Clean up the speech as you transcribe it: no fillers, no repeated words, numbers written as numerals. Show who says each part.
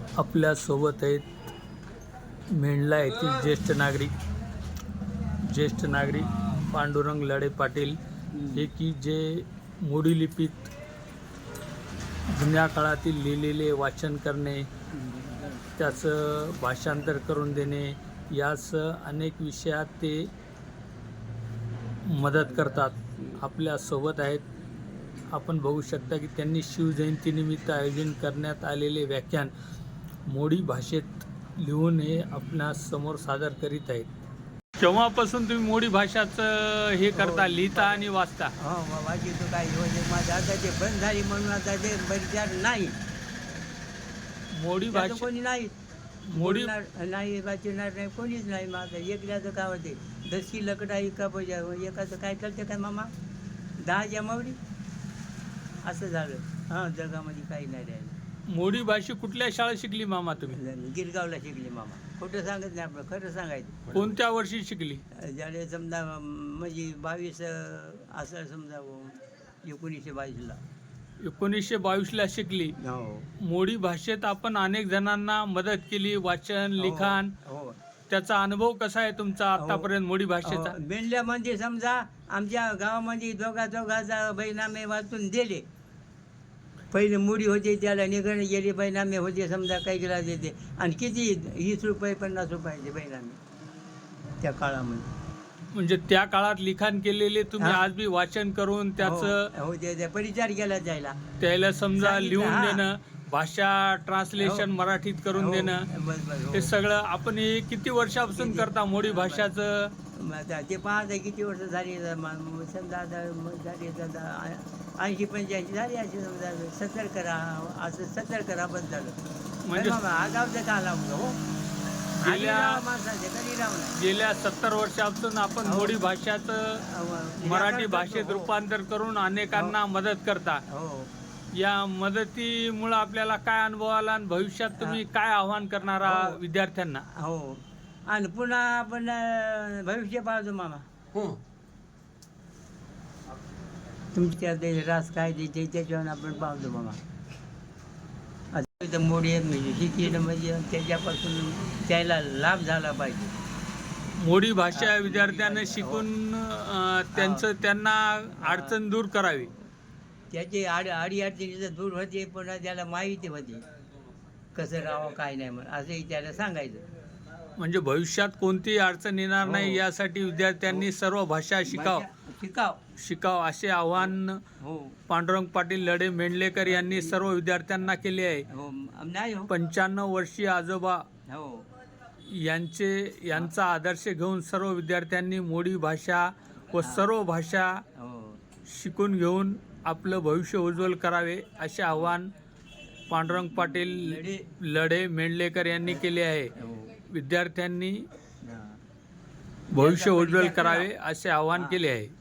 Speaker 1: आपल्यासोबत आहेत मेंढला येथील ज्येष्ठ नागरिक पांडुरंग लढे पाटील हे की जे मोडी लिपीत जुन्या काळातील लिहिलेले वाचन करणे, त्याचं भाषांतर करून देणे, यास अनेक विषयात ते मदत करतात. आपल्यासोबत आहेत. आपण बघू शकता की त्यांनी शिवजयंतीनिमित्त आयोजन करण्यात आलेले व्याख्यान मोडी भाषेत लिहून हे आपणासमोर सादर करीत आहेत. केव्हापासून तुम्ही मोडी भाषाचं हे करता, लिहिता आणि वाचता?
Speaker 2: हो, वाचितो काही म्हणजे माझं आता ते बंद झाली म्हणून आता ते परिचार नाही.
Speaker 1: मोडी
Speaker 2: त्याचं
Speaker 1: भाषा
Speaker 2: कोणी नाही,
Speaker 1: मोडी
Speaker 2: नाही वाचणार नाही, कोणीच नाही. माझं एकल्याचं काय होते दशी लकडा एका बजा एकाचं काय चालतं काय मामा 10 जमावडी असं झालं. हां, जगामध्ये काही नाही राहिलं.
Speaker 1: मोडी भाषा कुठल्या शाळेत शिकली मामा तुम्ही?
Speaker 2: गिरगावला शिकली मामा. खोटं सांगत नाही, आपलं खरं सांगायचं.
Speaker 1: कोणत्या वर्षी शिकली?
Speaker 2: ज्याने समजा म्हणजे 22 असं समजा 1922ला.
Speaker 1: 1922ला शिकली.
Speaker 2: हो
Speaker 1: मोडी भाषेत आपण अनेक जणांना मदत केली, वाचन, लिखाण.
Speaker 2: हो.
Speaker 1: त्याचा अनुभव कसा आहे तुमचा आतापर्यंत मोडी भाषेचा?
Speaker 2: मेंढल्यामध्ये समजा आमच्या गावामध्ये दोघाचा बैनामे वाचून दिले. पहिले मुडी होते, त्याला निघणे गेले बैनामे होते समजा काही गेला देते. आणि किती 20 रुपये 50 रुपयाचे बैनामे त्या काळामध्ये.
Speaker 1: म्हणजे त्या काळात लिखाण केलेले तुम्ही आज बी वाचन करून त्याचं
Speaker 2: हो ते परिचार केला जायला
Speaker 1: त्याला समजा
Speaker 2: सांगितलं,
Speaker 1: लिहून
Speaker 2: हां.
Speaker 1: देणं, भाषा ट्रान्सलेशन मराठीत करून देणं, हे सगळं आपण हे किती वर्षापासून करता मोडी भाषाचं?
Speaker 2: आता ते पाहता किती वर्ष झाली समजा आता झाली 80-85 झाली अशी समजा 70 करा असं 70 करा बंद झालं.
Speaker 1: म्हणजे
Speaker 2: आगावचं का लावलं हो
Speaker 1: गेल्या
Speaker 2: माणसाचे कधी लावलं.
Speaker 1: गेल्या 70 वर्षापासून आपण मोडी भाषाचं मराठी भाषेत रूपांतर करून अनेकांना मदत करता.
Speaker 2: हो.
Speaker 1: या मदतीमुळे आपल्याला काय अनुभव आला आणि भविष्यात तुम्ही काय आव्हान करणार आहात विद्यार्थ्यांना?
Speaker 2: हो, आणि पुन्हा आपण भविष्य पाहतो मामा. तुमच्या ते रास काय देते त्याच्यावर आपण पाहतो मामा. आता मोडी म्हणजे शिकलं म्हणजे त्याच्यापासून त्याला लाभ झाला पाहिजे.
Speaker 1: मोडी भाषा विद्यार्थ्यांना शिकून त्यांना अडचण दूर करावी.
Speaker 2: त्याची अडीअडचणीचं दूर होते, पुन्हा त्याला माहिती होते कसं राहावं काय नाही म्हणून असंही त्याला सांगायचं.
Speaker 1: म्हणजे भविष्यात कोणतीही अडचण येणार नाही यासाठी विद्यार्थ्यांनी सर्व भाषा शिकाव असे आवाहन पांडुरंग पाटील लढे मेंढलेकर यांनी सर्व विद्यार्थ्यांना केले आहे. 95 वर्षीय आजोबा यांचा आदर्श घेऊन सर्व विद्यार्थ्यांनी मोडी भाषा व सर्व भाषा शिकून घेऊन आपलं भविष्य उज्ज्वल करावे असे आवाहन पांडुरंग पाटील लढे मेंढलेकर यांनी केले आहे. विद्यार्थ्यांनी भविष्य उज्ज्वल करावे असे आवाहन केले आहे.